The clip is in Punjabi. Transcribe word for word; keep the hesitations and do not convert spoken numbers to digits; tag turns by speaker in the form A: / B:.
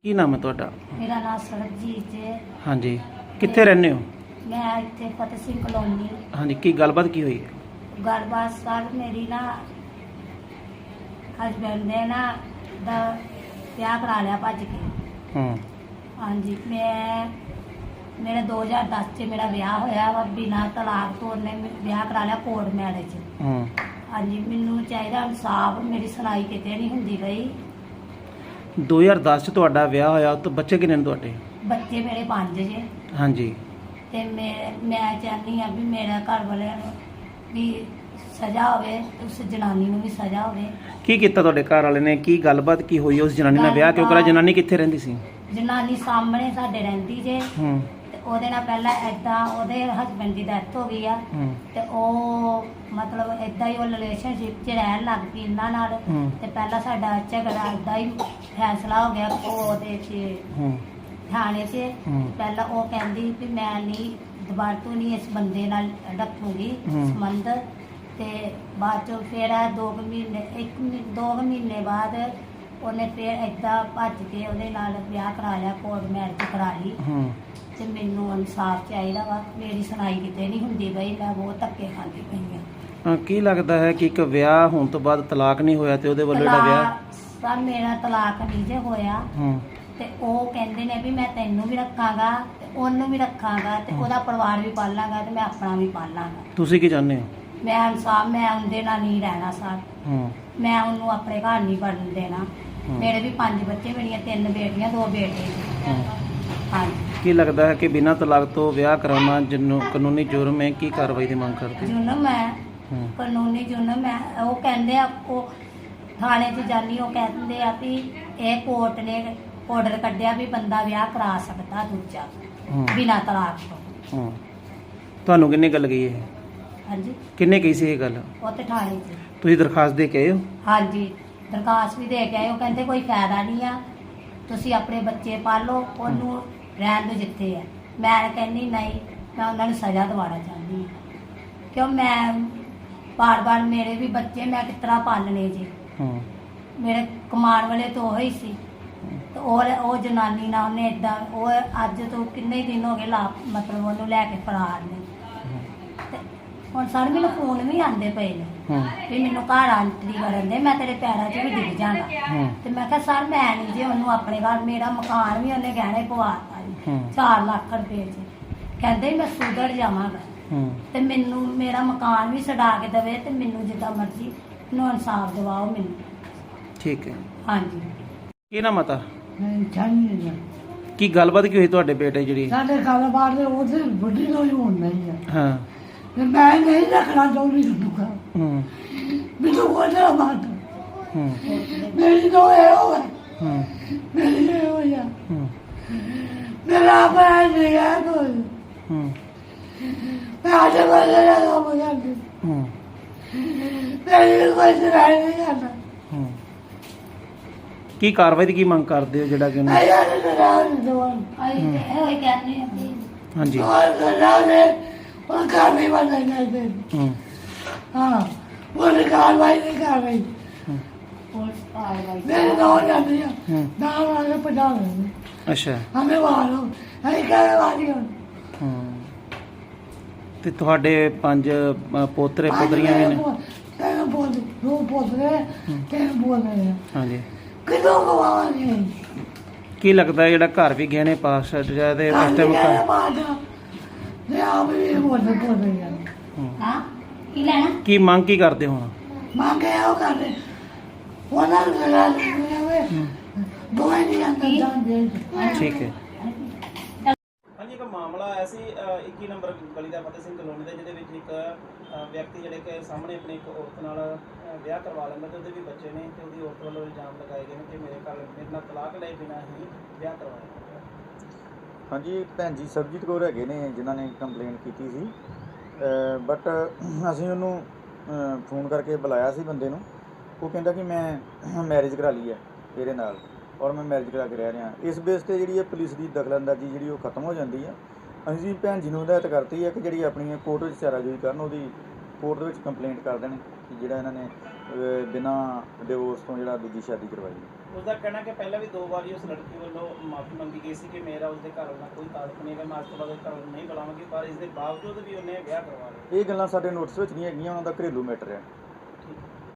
A: ਕੀ ਨਾਮ ਹੈ ਤੁਹਾਡਾ?
B: मेरा नाम सरबजीत है।
A: ਹਾਂਜੀ, ਕਿੱਥੇ ਰਹਿੰਦੇ ਹੋ?
B: मैं इतने फतेह सिंह कॉलोनी।
A: ਹਾਂਜੀ, ਕੀ ਗੱਲਬਾਤ ਕੀ ਹੋਈ?
B: गलबात सर मेरी ना हसबैंड ने ना दा ब्याह करा लिया भज के।
A: ਹੂੰ
B: हाँ जी, मैं मेरा दो हज़ार दस च मेरा ब्याह होया वा बिना तलाक तो उन्हें ब्याह करा लिया कोर्ट मैरिज।
A: ਹੂੰ
B: हाँ जी, मैनू चाहिए इंसाफ, मेरी सुनाई किते नहीं हुंदी पई।
A: ਦੋ ਹਜ਼ਾਰ ਦਸ ਚ ਤੁਹਾਡਾ ਵਿਆਹ ਹੋਇਆ ਤਾਂ ਬੱਚੇ ਕਿੰਨੇ ਨੇ ਤੁਹਾਡੇ?
B: बच्चे मेरे पांच जे
A: ਹਾਂਜੀ
B: ते मैं मैं चाहनी हाँ भी मेरा घर वाले भी सजा होवे, उस जनानी नूं भी सजा होवे।
A: ਕੀ ਕੀਤਾ ਤੁਹਾਡੇ ਘਰ ਵਾਲੇ ਨੇ? ਕੀ ਗੱਲਬਾਤ ਕੀ ਹੋਈ? ਉਸ ਜਨਾਨੀ ਨਾਲ ਵਿਆਹ ਕਿਉਂ ਕਰਾਇਆ? ਜਨਾਨੀ ਕਿੱਥੇ ਰਹਿੰਦੀ ਸੀ?
B: ਜਨਾਨੀ ਸਾਹਮਣੇ ਸਾਡੇ ਰਹਿੰਦੀ ਜੇ
A: ਹੂੰ
B: ਤੇ ਉਹਦੇ ਨਾਲ ਪਹਿਲਾਂ ਐਦਾਂ ਉਹਦੇ ਹਸਬੰਡ ਦੀ ਡੈਥ ਹੋ ਗਈ ਆ
A: ਹੂੰ
B: ਤੇ ਉਹ ਮਤਲਬ ਐਦਾਂ ਹੀ ਉਹ ਰਿਲੇਸ਼ਨਸ਼ਿਪ 'ਚ ਰਹਿਣ ਲੱਗ ਪਈ ਇਹਨਾਂ ਨਾਲ।
A: ਹੂੰ
B: ਤੇ ਪਹਿਲਾਂ ਸਾਡਾ ਝਗੜਾ ਐਦਾਂ ਹੀ ਫੈਸਲਾ ਹੋ ਗਿਆ ਉਹ ਉਹਦੇ 'ਚ
A: ਹੂੰ
B: ਥਾਣੇ 'ਚ।
A: ਹੂੰ।
B: ਪਹਿਲਾਂ ਉਹ ਕਹਿੰਦੀ ਵੀ ਮੈਂ ਨਹੀਂ ਦੁਬਾਰਾ ਤੋਂ ਨਹੀਂ ਇਸ ਬੰਦੇ ਨਾਲ ਰੱਖੂਗੀ
A: ਹੂੰ।
B: ਸੰਬੰਧ। ਤੇ ਬਾਅਦ ਚੋਂ ਫਿਰ ਇਹ ਦੋ ਕੁ ਮਹੀਨੇ ਇੱਕ ਮਹੀ- ਦੋ ਕੁ ਮਹੀਨੇ ਬਾਅਦ ਉਹਨੇ ਫਿਰ ਏਦਾਂ ਭੱਜ ਕੇ ਉਹਦੇ ਨਾਲ ਵਿਆਹ ਕਰਾ ਲਿਆ, ਕੋਰਟ ਮੈਰਿਜ ਕਰਾ ਲਈ।
A: ਹੂੰ
B: ਤੇ ਮੈਨੂੰ ਇਨਸਾਫ ਚਾਹੀਦਾ ਵਾ, ਮੇਰੀ ਸੁਣਾਈ ਕਿਤੇ ਨਹੀਂ ਹੁੰਦੀ ਬਈ, ਮੈਂ ਬਹੁਤ ਧੱਕੇ ਖਾਂਦੀ ਪਈ ਹਾਂ।
A: ਹਾਂ, ਕੀ ਲੱਗਦਾ ਹੈ ਕਿ ਇੱਕ ਵਿਆਹ ਹੋਣ ਤੋਂ ਬਾਅਦ ਤਲਾਕ ਨਹੀਂ ਹੋਇਆ ਤੇ ਉਹਦੇ ਵੱਲੋਂ ਜਿਹੜਾ ਵਿਆਹ?
B: ਤਲਾਕ ਸਰ ਮੇਰਾ ਤਲਾਕ ਨਹੀਂ ਜੇ ਹੋਇਆ
A: ਹੂੰ
B: ਤੇ ਉਹ ਕਹਿੰਦੇ ਨੇ ਵੀ ਮੈਂ ਤੈਨੂੰ ਵੀ ਰੱਖਾਂਗਾ ਤੇ ਉਹਨੂੰ ਵੀ ਰੱਖਾਂਗਾ ਤੇ ਉਹਦਾ ਪਰਿਵਾਰ ਵੀ ਪਾਲਾਂਗਾ ਤੇ ਮੈਂ ਆਪਣਾ ਵੀ ਪਾਲਾਂਗਾ।
A: ਤੁਸੀਂ ਕੀ ਚਾਹੁੰਦੇ ਹੋ?
B: ਮੈਂ ਇਨਸਾਫ, ਮੈਂ ਉਹਦੇ ਨਾਲ ਨਹੀਂ ਰਹਿਣਾ ਸਰ।
A: ਹੂੰ
B: ਮੈਂ ਉਹਨੂੰ ਆਪਣੇ ਘਰ ਨਹੀਂ ਵੜਨ ਦੇਣਾ।
A: ਹੂੰ।
B: ਮੇਰੇ ਵੀ ਪੰਜ ਬੱਚੇ, ਮੇਰੀਆਂ ਤਿੰਨ ਬੇਟੀਆਂ ਦੋ ਬੇਟੇ।
A: ਹੂੰ।
B: ਹਾਂਜੀ।
A: ਕੀ ਲੱਗਦਾ ਹੈ ਕਿ ਬਿਨਾਂ ਤਲਾਕ ਤੋਂ ਵਿਆਹ ਕਰਾਉਣਾ ਜਨੂੰ ਕਾਨੂੰਨੀ ਜੁਰਮ ਹੈ? ਕੀ ਕਾਰਵਾਈ ਦੀ ਮੰਗ ਕਰਦੇ?
B: ਜੁਨਮ ਹੈ,
A: ਹੂੰ
B: ਕਾਨੂੰਨੀ ਜੁਨਮ ਹੈ। ਉਹ ਕਹਿੰਦੇ ਆ, ਉਹ ਥਾਣੇ 'ਚ ਜਾਨੀ, ਉਹ ਕਹਿੰਦੇ ਆ ਵੀ ਇਹ ਕੋਰਟ ਨੇ ਆਰਡਰ ਕੱਢਿਆ ਵੀ ਬੰਦਾ ਵਿਆਹ ਕਰਾ ਸਕਦਾ ਦੂਜਾ
A: ਹੂੰ
B: ਬਿਨਾਂ ਤਲਾਕ ਤੋਂ।
A: ਹੂੰ। ਤੁਹਾਨੂੰ ਕਿੰਨੇ ਗੱਲ ਗਈ ਇਹ?
B: ਹਾਂਜੀ,
A: ਕਿੰਨੇ ਕਹੀ ਸੀ ਇਹ ਗੱਲ?
B: ਉਹ ਤੇ ਥਾਣੇ 'ਚ।
A: ਤੁਸੀਂ ਦਰਖਾਸਤ ਦੇ ਕੇ ਆਏ ਹੋ?
B: ਹਾਂਜੀ, ਦਰਖਾਸਤ ਵੀ ਦੇ ਕੇ ਆਏ। ਉਹ ਕਹਿੰਦੇ ਕੋਈ ਫਾਇਦਾ ਨਹੀਂ ਆ, ਤੁਸੀਂ ਆਪਣੇ ਬੱਚੇ ਪਾਲੋ, ਉਹਨੂੰ ਰਹਿਣ ਦਿਓ ਜਿੱਥੇ ਆ। ਮੈਂ ਕਹਿੰਦੀ ਨਹੀਂ, ਮੈਂ ਉਹਨਾਂ ਨੂੰ ਸਜ਼ਾ ਦਿਵਾਉਣਾ ਚਾਹੁੰਦੀ ਹਾਂ ਕਿਉਂ ਮੈਂ ਬਾਰ ਬਾਰ ਮੇਰੇ ਵੀ ਬੱਚੇ ਮੈਂ ਕਿਸ ਤਰ੍ਹਾਂ ਪਾਲਣੇ ਜੀ।
A: ਹੂੰ
B: ਮੇਰੇ ਕਮਾਉਣ ਵਾਲੇ ਤਾਂ ਉਹ ਹੀ ਸੀ ਤੇ ਉਹ ਉਹ ਜਨਾਨੀ ਨਾਲ ਉਹਨੇ ਇਦਾਂ, ਉਹ ਅੱਜ ਤੋਂ ਕਿੰਨੇ ਦਿਨ ਹੋ ਗਏ ਲਾ ਮਤਲਬ ਉਹਨੂੰ ਲੈ ਕੇ ਫਰਾਰ ਨੇ। ਤੇ ਹੁਣ ਸਰ ਮੈਨੂੰ ਫੋਨ ਵੀ ਆਉਂਦੇ ਪਏ ਨੇ
A: ਹੂੰ
B: ਵੀ ਮੈਨੂੰ ਘਰ ਆਂਟਰੀ ਕਰਨ ਦੇ, ਮੈਂ ਤੇਰੇ ਪੈਰਾਂ 'ਚ ਵੀ ਡਿੱਗ ਜਾਣਾ।
A: ਹੂੰ
B: ਤੇ ਮੈਂ ਕਿਹਾ ਸਰ ਮੈਂ ਨਹੀਂ ਜੇ ਉਹਨੂੰ ਆਪਣੇ ਘਰ, ਮੇਰਾ ਮਕਾਨ ਵੀ ਉਹਨੇ ਗਹਿਣੇ ਪਵਾਤਾ ਜੀ
A: ਹੂੰ
B: ਚਾਰ ਲੱਖ ਰੁਪਏ 'ਚ। ਕਹਿੰਦੇ ਮੈਂ ਸੁਧਰ ਜਾਵਾਂਗਾ
A: ਹੂੰ
B: ਤੇ ਮੈਨੂੰ ਮੇਰਾ ਮਕਾਨ ਵੀ ਛਡਾ ਕੇ ਦੇਵੇ ਤੇ ਮੈਨੂੰ ਜਿੱਦਾਂ ਮਰਜ਼ੀ ਨੂੰ ਇਨਸਾਫ ਦਿਵਾਓ ਮੈਨੂੰ।
A: ਠੀਕ ਹੈ।
B: ਹਾਂਜੀ।
A: ਕੀ ਨਾਮ ਮਾਤਾ?
C: ਚਾਹੀਏ
A: ਕੀ ਗੱਲਬਾਤ ਕੀ ਹੋਈ ਤੁਹਾਡੇ ਬੇਟੇ ਜਿਹੜੀ?
C: ਸਾਡੇ ਕਾਰੋਬਾਰ ਦੇ ਉਹਦੇ ਵੱਡੀ ਕੋਈ ਹੋਣ ਨਹੀਂ ਹੈ
A: ਹਾਂ
C: ਤੇ ਮੈਂ ਨਹੀਂ ਰੱਖਣਾ ਚਾਹੁੰਦੀ ਤੁਹਾਨੂੰ ਘਰ।
A: ਹੂੰ
C: ਮੈਨੂੰ ਉਹਦਾ ਬਾਤ
A: ਹੂੰ
C: ਮੇਰੀ ਤੋਂ ਇਹ ਹੋਇਆ,
A: ਹੂੰ
C: ਮੇਰੀ ਇਹ ਹੋਇਆ,
A: ਹੂੰ
C: ਮੇਰਾ ਆਪਣਾ ਨਹੀਂ ਹੈ ਕੋਈ।
A: ਹੂੰ
C: ਮੈਂ ਅੱਜ ਬੰਦੇ ਦਾ ਕੰਮ ਕਰਦੀ,
A: ਹੂੰ
C: ਮੇਰੀ ਕੋਈ ਸੁਣਾਈ ਨਹੀਂ ਕਰਦਾ।
A: ਹੂੰ। ਕੀ ਕਾਰਵਾਈ ਦੀ ਕੀ ਮੰਗ ਕਰਦੇ ਹੋ ਜਿਹੜਾ ਕਿ ਉਹਨੂੰ?
C: ਆਇਆ ਨਹੀਂ ਕਰਾਂ ਦਵਾਨ
B: ਅਸੀਂ ਤੇ ਇਹੋ ਹੀ ਕਹਿੰਦੇ ਹਾਂ ਵੀ
A: ਹਾਂਜੀ
C: और करना ने और कार्रवाई वाला नहीं दे।
A: ਹੂੰ
C: हाँ वो कार्रवाई नहीं कर रही,
B: ਪੁਲਿਸ ਕਾਰਵਾਈ
C: मेरे नौ जाती है
A: हम्म।
C: दाम आगे पटा रहे
A: ਅੱਛਾ
C: हमें मारो हमें कहने वाली हो।
A: ਹੂੰ। ਤੇ ਤੁਹਾਡੇ ਪੰਜ ਅ, ਪੋਤਰੇ ਪੋਤਰੀਆਂ ਵੀ ਨੇ?
C: तेन बोल दो पोतरे तेन बोल रहे हैं
A: ਹਾਂਜੀ।
C: कितों गवाएंगे
A: ਕੀ ਲੱਗਦਾ ਹੈ ਜਿਹੜਾ ਘਰ ਵੀ ਗਹਿਣੇ ਪਾਸ ਜਾਏ ਤੇ ਉਸ ਟਾਈਮ ਘਰ?
C: माता ये आप भी बोल बोल रही है
A: ਹੂੰ।
B: ਹਾਂ ਕੀ ਲੈਣਾ?
A: ਕੀ ਮੰਗ ਕੀ ਕਰਦੇ ਹੋ ਹੁਣ?
C: मांगे हो कर रहे वो ना लगा दो नहीं अंदर जान दे।
A: ਠੀਕ ਹੈ। ਹਾਂਜੀ, ਇੱਕ ਮਾਮਲਾ ਆਇਆ ਸੀ ਇੱਕੀ ਨੰਬਰ ਗਲੀ ਦਾ ਫਤਿਹ ਸਿੰਘ ਕਲੋਨੀ ਦਾ, ਜਿਹਦੇ ਵਿੱਚ ਇੱਕ ਅ, ਵਿਅਕਤੀ ਜਿਹੜੇ ਕਿ ਸਾਹਮਣੇ ਆਪਣੀ ਇੱਕ ਔਰਤ ਨਾਲ ਅ, ਵਿਆਹ ਕਰਵਾ ਲੈਂਦਾ ਤੇ ਉਹਦੇ ਵੀ ਬੱਚੇ ਨੇ ਤੇ ਉਹਦੀ ਔਰਤ ਵੱਲੋਂ ਇਲਜ਼ਾਮ ਲਗਾਏ ਗਏ ਨੇ ਕਿ ਮੇਰੇ ਘਰ ਮੇਰੇ ਨਾਲ ਤਲਾਕ ਲਏ ਬਿਨਾਂ ਹੀ ਵਿਆਹ ਕਰਵਾਇਆ।
D: ਹਾਂਜੀ, ਭੈਣ ਜੀ ਸਰਬਜੀਤ ਕੌਰ ਹੈਗੇ ਨੇ ਜਿਨ੍ਹਾਂ ਨੇ ਕੰਪਲੇਂਟ ਕੀਤੀ ਸੀ, ਬਟ ਅਸੀਂ ਉਹਨੂੰ ਫੋਨ ਕਰਕੇ ਬੁਲਾਇਆ ਸੀ ਬੰਦੇ ਨੂੰ। ਉਹ ਕਹਿੰਦਾ ਕਿ ਮੈਂ ਮੈਰਿਜ ਕਰਾ ਲਈ ਹੈ ਇਹਦੇ ਨਾਲ ਔਰ ਮੈਂ ਮੈਰਿਜ ਕਰਾ ਕੇ ਰਹਿ ਰਿਹਾ। ਇਸ ਬੇਸ 'ਤੇ ਜਿਹੜੀ ਹੈ ਪੁਲਿਸ ਦੀ ਦਖਲਅੰਦਾਜ਼ੀ ਜਿਹੜੀ ਉਹ ਖਤਮ ਹੋ ਜਾਂਦੀ ਹੈ। ਅਸੀਂ ਭੈਣ ਜੀ ਨੂੰ ਹਦਾਇਤ ਕਰਤੀ ਹੈ ਕਿ ਜਿਹੜੀ ਆਪਣੀ ਕੋਰਟ ਵਿੱਚ ਚਾਰਾਜੋਈ ਕਰਨ, ਉਹਦੀ ਕੋਰਟ ਦੇ ਵਿੱਚ ਕੰਪਲੇਂਟ ਕਰ ਦੇਣ ਕਿ ਜਿਹੜਾ ਇਹਨਾਂ ਨੇ ਬਿਨਾਂ ਡਿਵੋਰਸ ਤੋਂ ਜਿਹੜਾ ਦੂਜੀ ਸ਼ਾਦੀ ਕਰਵਾਈ।
A: ਉਸਦਾ ਕਹਿਣਾ ਕਿ ਪਹਿਲਾਂ ਵੀ ਦੋ ਵਾਰੀ ਉਸ ਲੜਕੀ ਵੱਲੋਂ ਮਾਫੀ ਮੰਗੀ ਗਈ ਸੀ ਕਿ ਮੇਰਾ ਉਸਦੇ ਘਰ ਨਾਲ ਕੋਈ ਤਾਲੁਕ ਨਹੀਂ ਹੈ, ਮੈਂ ਅੱਜ ਤੋਂ ਬਾਅਦ ਉਸ ਘਰ ਵੱਲ ਨਹੀਂ ਬੁਲਾਵਾਂਗੀ, ਪਰ ਇਸ ਦੇ ਬਾਵਜੂਦ ਵੀ ਉਹਨੇ ਵਿਆਹ ਕਰਵਾ ਲਿਆ।
D: ਇਹ ਗੱਲਾਂ ਸਾਡੇ ਨੋਟਿਸ ਵਿੱਚ ਨਹੀਂ ਹੈਗੀਆਂ, ਉਹਨਾਂ ਦਾ ਘਰੇਲੂ ਮੈਟਰ ਹੈ।
A: ਠੀਕ ਹੈ।